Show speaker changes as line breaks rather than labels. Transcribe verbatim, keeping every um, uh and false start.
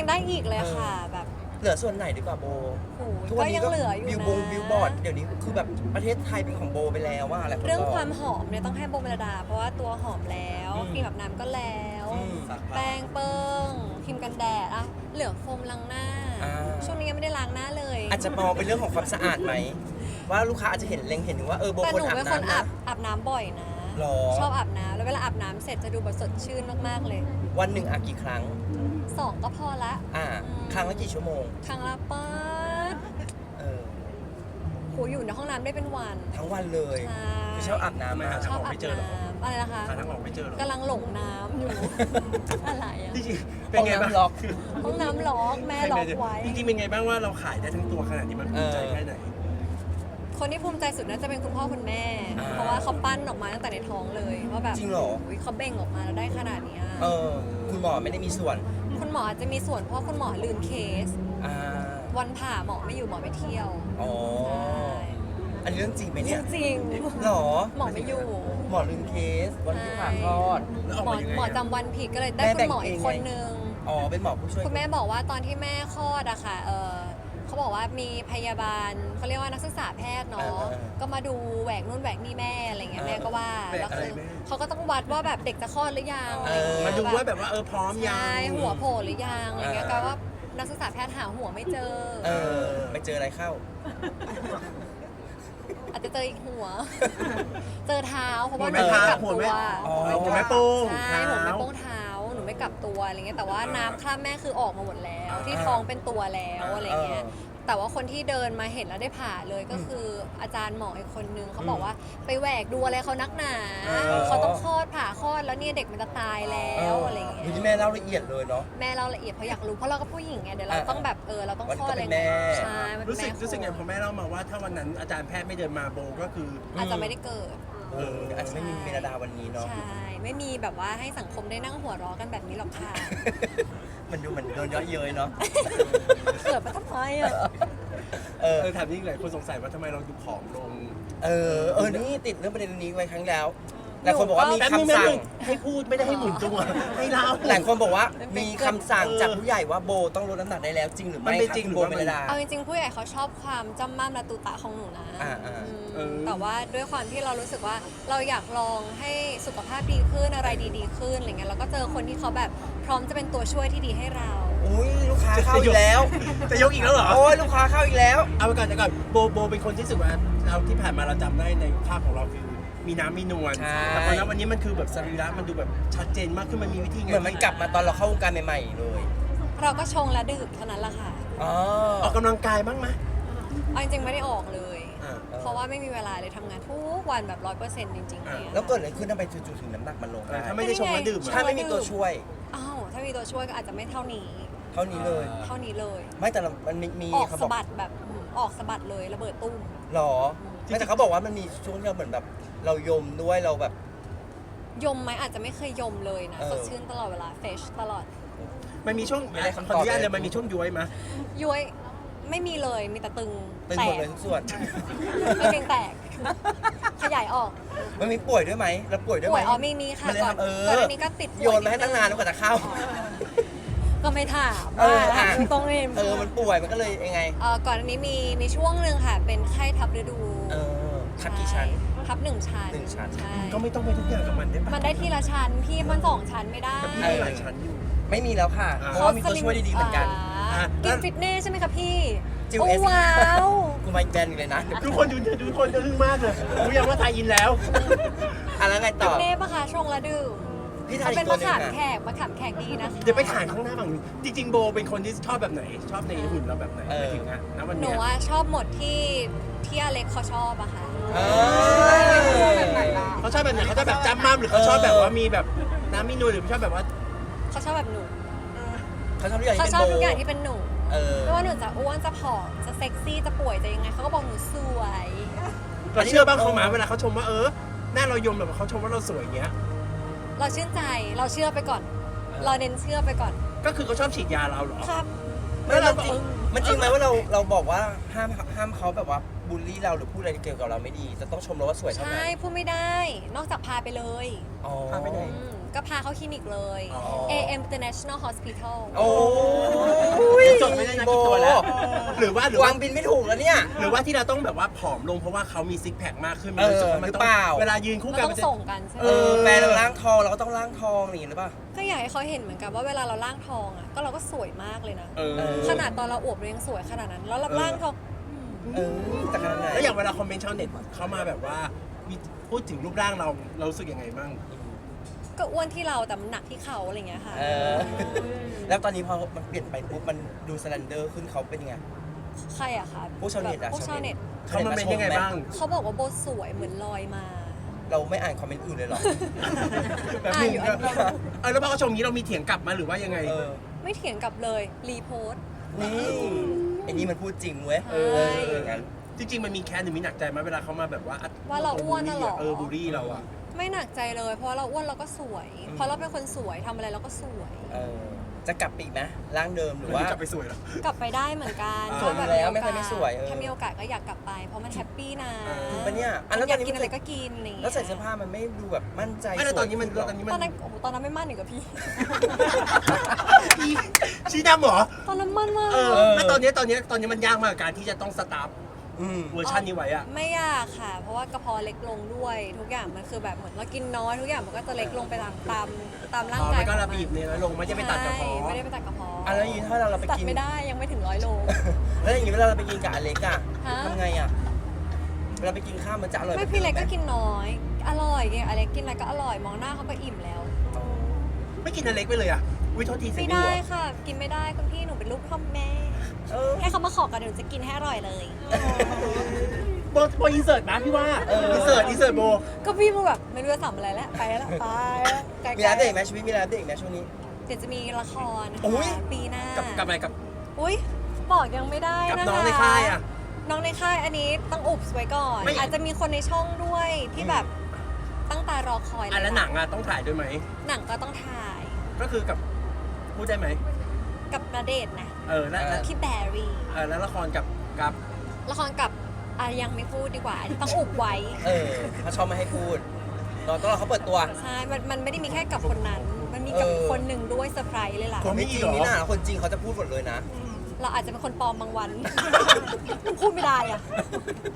ยังได้อีกเลยค่ะแบบ
เหลือส่วนไหนดีกว่าโบ
โอ้
ทุก
ก็
วันนี้
ยัง
ก็
เหลืออยู่
บิว
นะ
บงบิวบอร์ดเดี๋ยวนี้คือแบบประเทศไทยเป็นของโบไปแล้วว่าอะไร
เรื่องความหอมเนี่ยต้องให้โบเมลดา เพราะว่าตัวหอมแล้วครีมแบบน้ำก็แล้ว แป้งเปิ้งครีมกันแดดอ่ะเหลือโฟมล้างหน้า ช่วงนี้ยังไม่ได้ล้างหน้าเลย
อาจจะมองเป็นเรื่องของความสะอาดไหมว่าลูกค้าอาจจะเห็นเล็งเห็นถึงว่าเออโบ
แต่
ค
ห
น
นู
อาบ
เป็นคน
น้ำ
อา
นะ
บอาบน้ำบ่อยนะ
หรอ
ชอบอาบน้ำแล้วเวลาอาบน้ำเสร็จจะดูแบบสดชื่นมากๆเลย
วันหนึ่งอาบกี่ครั้ง
สองก็พอละ
อ่า
อืม
ครั้งละกี่ชั่วโมง
ครั้งละป๊าด
เออ
โหอยู่ในห้องน้ำได้เป็นวัน
ทั้งวันเลย
ใช่
คือชอบอาบน้ำ
ไม่
มา
หา
ชอบอาบน้ำอะไรนะคะ
หาทางออกไม่เจอหรอก
กำลังหลงน้ำอยู่ อะไรอะ
จริงๆเป็นไงบ้าง
ห้องน้ำล็อก
ห้องน้ำล็อกแม่ล็อกไว้
จริงๆเป็นไงบ้างว่าเราขายได้ทั้งตัวขนาดนี้มันภูมิใจแค่ไหน
คนที่ภูมิใจสุดน่าจะเป็นคุณพ่อคุณแม่
อ่า
เพราะว่าเขาปั้นออกมาตั้งแต่ในท้องเลยว่าแบบ
จริงเหรอ
ยเขาเบ่งออกมาแล้วได้ขนาดเนี้ย
เออ คุณหมอไม่ได้มีส่วน
คุณหมออาจจะมีส่วนเพราะคุณหมอลืมเคส
อ่า
วันผ่าหมอไม่อยู่หมอไปเที่ยว
อ๋อ
ใช่
อันนี้เรื่องจริงไหม
จ
เนี่ย
ริง
หรอ
ๆหมอไม่อยู่
หมอลืมเคสวันที่ผ่าคลอด
แล้วออก
หมอ
มายังไงอะ
หมอจำวันผิดก็เลยได้
แม่
คุ
แบ่
ณ
ง
หมออีก
เอง
คน
ไง
นึง
อ๋อ เป็นหมอผู้ช่วย
คุณแม่บอกว่าตอนที่แม่คลอดอะค่ะ เออเขาบอกว่ามีพยาบาลเขาเรียกว่านักศึกษาแพทย์เนาะ ก็มาดูแหวกนู่นแหวกนี่แม่อะไรเงี้ยแม่ก็ว่า
แหวก
แล้ว
อะไร
คือ
แม่
เขาก็ต้องวัดว่าแบบเด็กจะคลอดหรือยังอะไรเงี้ย
มาดูว่าแบบว่าเออพร้อมยัง
ใช่หัวโผล่หรือยังอะไรเงี้ยก็ว่านักศึกษาแพทย์หาหัวไม่เจอ
เออ ไปเจออะไรเข้า
อาจจะเจออีกหัว เจอเท้าเพราะว่าห
หั
นู
วแม่
ไม่กลับ
หัว
ตั
แม่
ว
อ๋อ
หัวแม่โป้ง
ใช่หัวแม่
เท้า
โป้งเท้าหนูไม่กลับตัวอะไรเงี้ยแต่ว่า
อ่า
น้ำคราบแม่คือออกมาหมดแล้ว
อ่า
ที่ท้องเป็นตัวแล้วอะไรเงี้ย
เออ
แต่ว่าคนที่เดินมาเห็นแล้วได้ผ่าเลยก็คืออาจารย์หมออีกคนนึงเขาบอกว่าไปแหวกดูอะไรเขานักหนา
อ๋อ
เขาต้องคลอดผ่าคลอดแล้วเนี่ยเด็กมันจะตายแล้วอะไรเงี้ย
ดูที่แม่เล่าละเอียดเลยเนาะ
แม่เราละเอียดเพราะอยากรู้เพราะเราก็ผู้หญิงไงเดี๋ยวเรา
อ่า
ต้องแบบเออเราต้อง
วัน
ค
นี้
ลอด
ก็
อะไร
เป็นแม่
ใช่มันเป็น
รู้สึก
แม่
รู้สึกไงพอ
ครู
แม่เล่ามาว่าถ้าวันนั้นอาจารย์แพทย์ไม่เดินมาโบก็คือ
อาจจะไม่ได้เกิด
เอออาจจะไม่มีเมลดาวันนี้เนาะ
ใช่ ไม่มีแบบว่าให้สังคมได้นั่งหัวเราะกันแบบนี้หรอกค่ะ
มันดูเหมือนโดนเยอะเย้ยเนาะ
เกิดมาทำไมอ่ะ
เออ
เออถามจริงหลายคนสงสัยว่าทำไมเราดูผอมลง
เออ เออ นี่ติดเรื่องประเด็นนี้ไว้ครั้งแล้ว หลายคนบอกว่ามี
แป๊บนึง
คำ
แป๊บ
สั่ง
นึงให้พูดไม่ได้ให้หมุนตัวให้เล่า
หลายคนบอกว่า
เป็น
มีคำสั่งจากผู้ใหญ่ว่าโบต้องลดน้ำหนักได้แล้วจริงหรือไม่
มันเป็น
คะ
จริง
คุณ
หรื
โบ
อว่า
เม
มัน
ลดา
เอาจริงๆผู้ใหญ่เขาชอบความจำม่ำและตุตะของหนูนะ
อ่าอ่า
อืม
เออ
แต่ว่าด้วยความที่เรารู้สึกว่าเราอยากลองให้สุขภาพดีขึ้นอะไรดีๆขึ้นอะไรเงี้ยแล้วก็เจอคนที่เขาแบบพร้อมจะเป็นตัวช่วยที่ดีให้เรา
อุ้ยลูกค้าเข้าอีกแล้ว
จะยกอีกแล้วเหรอ
โอ้ยลูกค้าเข้าอีกแล้ว
เอาไปก่อนจะก่อนโบโบเป็นคนที่รู้สึกว่าเราที่ผ่านมาเราจำได้ในภาพของเราคือมีน้ำมีนวล
ใช่
แต่พอณวันนี้มันคือแบบสรีระมันดูแบบชัดเจนมากขึ้นมันมีวิธีไง
เหมือนมันกลับมาตอนเราเข้าวงการใหม่ๆเลย
เราก็ชงและดื่มเท่านั้นแหละค่ะ
อ๋อ
ออกกำลังกายบ้างไหม
เอาจริงๆไม่ได้ออกเลย
อ่า
เพราะว่าไม่มีเวลาเลยทำงานทุกวันแบบร้อยเปอร์เซ็นต์จริงๆ
อ่า
เนี่ย
แล้วเกิดอะไรขึ้นทำไมจู่ๆถึงน้ำหนักมันลง
เอ
ได้
อถ้าไม่ได้ชงและดื่ม
ถ้า
อะ
ไม่มีตัวช่วย
อ้าวถ้ามีตัวช่วยก็อาจจะไม่เท่านี้
เท่านี้เลย
เท่านี้เลย
ไม่แต่เรามันมีมี
ออก
เขาบ
สะ
อก
บัดแบบอืมออกสะบัดเลยระเบิดตุ้ม
หรอไม่แต่เขาบอกว่ามันมีช่วงที่เราเหมือนแบบ เรายมด้วยเราแบบ
ยมไหมอาจจะไม่เคยยมเลยนะ
เออ
สดชื่นตลอดเวลาเฟชตลอด
มันมีช่วง
ไม่ได้
ข
คำ
อ
ตอบ
อนุญาต
เลย
เลยมันมีช่วงย้วยไหม
ย้วยไม่มีเลยมีแต่ตึง
ตึง
แต
หมด
ก
เลยทุกส่วน
ไม่เพียงแตก ขยายออก
มันมีป่วยด้วยไหมเราป่วยด้วย
ป่
ไหม
วยอ๋อมีมีค่ะ
มันเลย
ก่อน
ทำเออ
ก่อนอันนี้ก็ติดป่วย
โยนมาให้ตั้งนานแล้วกว่าจะเข้า
ก็ไม่ถาม
เออ
ว่า
อ่ะ
ตรงนี้
เออมันป่วยมันก็เลยยังไง
เอ่อก่อนอันนี้มีมีช่วงหนึ่งค่ะ เป็นไข้ทับฤดู
เออทับกี่ชั้น
ทับหนึ่งชั้น
หนึ่งชั้น
ใช่
ก็ไม่ต้องไปทุกอย่างกับมันได้ปะ
มันได้ทีละชั้นพี่มันสองชั้นไม่ได้
แต่พี่มีหลายชั้นอยู่
ไม่มีแล้วค่ะ
อ่า
เพราะว่ามีตัวช่วยดีๆเหมือนกัน
อ่า
อ่ะ
กินฟิตเนสใช่ไหมคะพี่
จิว
โอ้
เอส
ว้าว
กูมาอีกแบรนด์หนึ่งเลยนะ
ทุกคนดูทุกคนจะทึ่งมากเลยรู้ยังว่าไทยอินแล้ว
อ่ะแล้วไง
ฟิ
ต่อ
ตเนสปะคะชงละดื่ม
พี่ทาน
เขา
อี
เป็น
กตัว
มะ
หนึง
ขามแข
อ่ะ
กมะขามแขกดีนะคะ
เดี๋ยวไปถ่ายข้างหน้าฝั่งนู้นจริงๆโบเป็นคนที่ชอบแบบไหน ชอบในหุ่นเราแบบไหน
เออ
ไปถึงอะณวัน
หนู
เนี้ย
ว่าชอบหมดที่ที่อเล็กเขาชอบอะค่ะ
เออ
เขาชอบแบบไหนเขาชอบแบบจำมั่มหรือเขาชอบแบบว่ามีแบบน้ำมีนูนหรือเขาชอบแบบว่า
เขาชอบแบบหนู
เขาชอบทุกอย่าง
เขา
ที่
ช
เป็น
อบ
โบ
ทุกอย่างที่เป็นหนู
เออ
ไม่ว่าหนูจะอ้วนจะผอมจะเซ็กซี่จะป่วยจะยังไงเขาก็บอกหนูสวย
เราเชื่อบ้างเขาหมาเวลาเขาชมว่าเออหน้าเรายมแบบเขาชมว่าเราสวยอย่างเงี้ย
เราชื่นใจเราเชื่อไปก่อน เราเน้นเชื่อไปก่อน
ก็คือเขาชอบฉีดยาเราเหรอ
ครับ
ไม่เราจริงมันจริงไหมว่าเราเราบอกว่าห้ามห้ามเขาแบบว่าบูลลี่เราหรือพูดอะไรเกี่ยวกับเราไม่ดี จะต้องชมเราว่าสวยเท่า
ใช่
นั้น
พูดไม่ได้ นอกจากพาไปเลย
อ๋อ
พาไปไหน
อืมก็พาเข้าคลินิกเลย
อ๋อ
เอ เอ็ม International Hospital
โอ้
ไม่ได้นักกินตัวแล้ว หรือว่าหรือ
วา
ว่าง
บินไม่ถูกแล้วเนี่ย
หรือว่าที่เราต้องแบบว่าผอมลงเพราะว่าเขามีซิกแพคมากขึ้น
เออ
รู้สึกว่ามัน
หรือ
ต้อง
เปล่า
เวลายืนคู่
มัน
กัน
ต้อ
มัน
ง
จะ
ส่งกันใช่ไหม
เออแฟนเราล่างทองเราก็ต้องล่างทองอย่างนี้หรือเปล่า
ก็อยากให้เขาเห็นเหมือนกันว่าเวลาเราล่างทองอ่ะก็เราก็สวยมากเลยนะ
เออ
ขนาดตอนเราอวบเรายังสวยขนาดนั้น แล้วเราล่างทอง
เออแต่ขนาดไหน
แล้วอย่างเวลาคอมเมนต์ชาวเน็ตเข้ามาแบบว่ามีพูดถึงรูปร่างเราเรารู้สึกยังไงบ้าง
ก็อ้วนที่เราแต่มันหนักที่เขาอะไรเงี้ยค่ะ
เออแล้วตอนนี้พอมันเปลี่ยนไปปุ๊บมันดูสแลนเดอร์ขึ้นเขาเป็นยังไง
ใครอะคะ
พวกชาวเน็ตอะ
พวกชาวเน็ต
เขามาเป็นยังไงบ้าง
เขาบอกว่าโบสวยเหมือนลอยมา
เราไม่อ่านคอมเมนต์อื่นเลยเหรอ
แบบ
อ่า
นึง
อยู่อันเดียว
เออแล้วพอเขาชมอย่างนี้เรามีเถียงกลับมาหรือว่ายังไง
เออ
ไม่เถียงกลับเลยรีโพสต์
นี่ไอ้นี่มันพูดจริงเว้ย
ใช่
เอออย่างนั้น
จริงๆมันมีแค้นหรือมีหนักใจไหมเวลาเขามาแบบว่า
ว่าเราอ้วนน่ะเหรอ
เออบูลลี่เราอะ
ไม่หนักใจเลย เพราะเราอ้วนเราก็สวย เพราะเราเป็นคนสวยทำอะไรเราก็สวย
เออจะกลับไปอีกไหมร่างเดิมหรือว่า
กลับไปสวยแล้ว
กลับไปได้เหมือนกัน
อ่า
สวยอยู่แล้วไม่เคยไม่สวยเออ
ถ้ามีโอกาสก็อยากกลับไป เพราะมันแฮปปี้นะ
เออ
จริงปะเนี่ยอ่ะแล้ว
อ
ต
ยา
อน
ก
นี้
กินอะไร
มัน
ก็กินอะไรอย่าง
แล้
เงี้
วย ใส่เสื้อผ้ามันไม่ดูแบบมั่นใจ
ไม่แล้วตอนนี้มัน
สวย
ตอนนี้
ต
มั
อน นนั้นโอ้โหตอนนั้นไม่มั่นอีกกับพี่
ชี้ดำเหรอ
ตอนนั้นมั่นมาก
เออแล้วตอนนี้ตอนนี้ตอนนี้มันยากมากกับการที่จะต้องสตาร์ฟ
อืม
เวอร์ชันนี้ไว้อะ
ไม่ยากค่ะ เพราะว่ากระเพาะเล็กลงด้วย ทุกอย่างมันคือแบบเหมือนเรากินน้อยทุกอย่างมันก็จะเล็กลงไปตามตามตามร่าง
อ๋อก
าย
มันก็
ของ
ระบีบเนี่ยลงไม่ได้ไปตัดกระเพาะ
ใช่ไม่ได้ไปตัดกระเพาะ
อ่ะแล้วอย่างนี้ถ้าเราเราไป
ตัด
กิน
ไม่ได้ยังไม่ถึงร้อยโล
แล้วอย่างนี้เวลาเราไปกินกับอเล็กอะ
ฮะ
ทำไงอะเวลาไปกินข้าวมันจะอร่อย
ไม่พี่เล็กก็กินน้อย อร่อยไงอเล็กกินอะไรก็อร่อยมองหน้าเขาก็อิ่มแล้ว
ไม่กินอันเล็กไปเลยอะวิโทษทีเสีย
ไม่
ง
ได้
หัว
ค่ะ กินไม่ได้คุณพี่หนูเป็นลูกพ่อแม่
เออ
ให้เขามาขอกันเดี๋ยวหนูจะกินให้อร่อยเลย
โบโบอินเสิร์ตนะพี่ว่าอินเสิร์ตอินเสิร์ตโบ
ก็พี่มึงแบบไม่รู้จะทำอะไรแล้วไปแล้วไปแล้วไกลๆ
มีร้านเด็กไหมชีวิตมีร้านเด็กไหมช่วงนี้
เดี๋ยวจะมีละครนะ
อุ๊
คะ
ย
ปีหน้า
กับกับอะไรกับ
อุ้ยบอกยังไม่ได้
กับ
นะคะ
น้องในค่ายอะ
น้องในค่ายอันนี้ต้องอุบไว้ก่อน
ไม่
อาจจะมีคนในช่องด้วยที่แบบตั้งตารอคอย
อันแล้วหนังอะต้องถ่ายด้วยไหม
หนังก็ต้องถ่าย
ก็คือกับพูดได้ไหม
กับณเดชน์นะ
เออแล้วแล้ว
พี่แบรี่
เออแล้วละครกับกับ
ละครกับอ่ะยังไม่พูดดีกว่าอันนี้ต้องอุบไว้
เออเขาชอบไม่ให้พูดเราต้องรอเขาเปิดตัว
ใช่ มันมันไม่ได้มีแค่กับคนนั้น มันมีกับ
เออ
อีกคนหนึ่งด้วยเซอร์ไพรส์เลยล่ะ
คนไม่จริงนี่นะคนจริงเขาจะพูดหมดเลยนะ
เราอาจจะเป็นคนปลอมบางวัน พูดไม่ได้อะ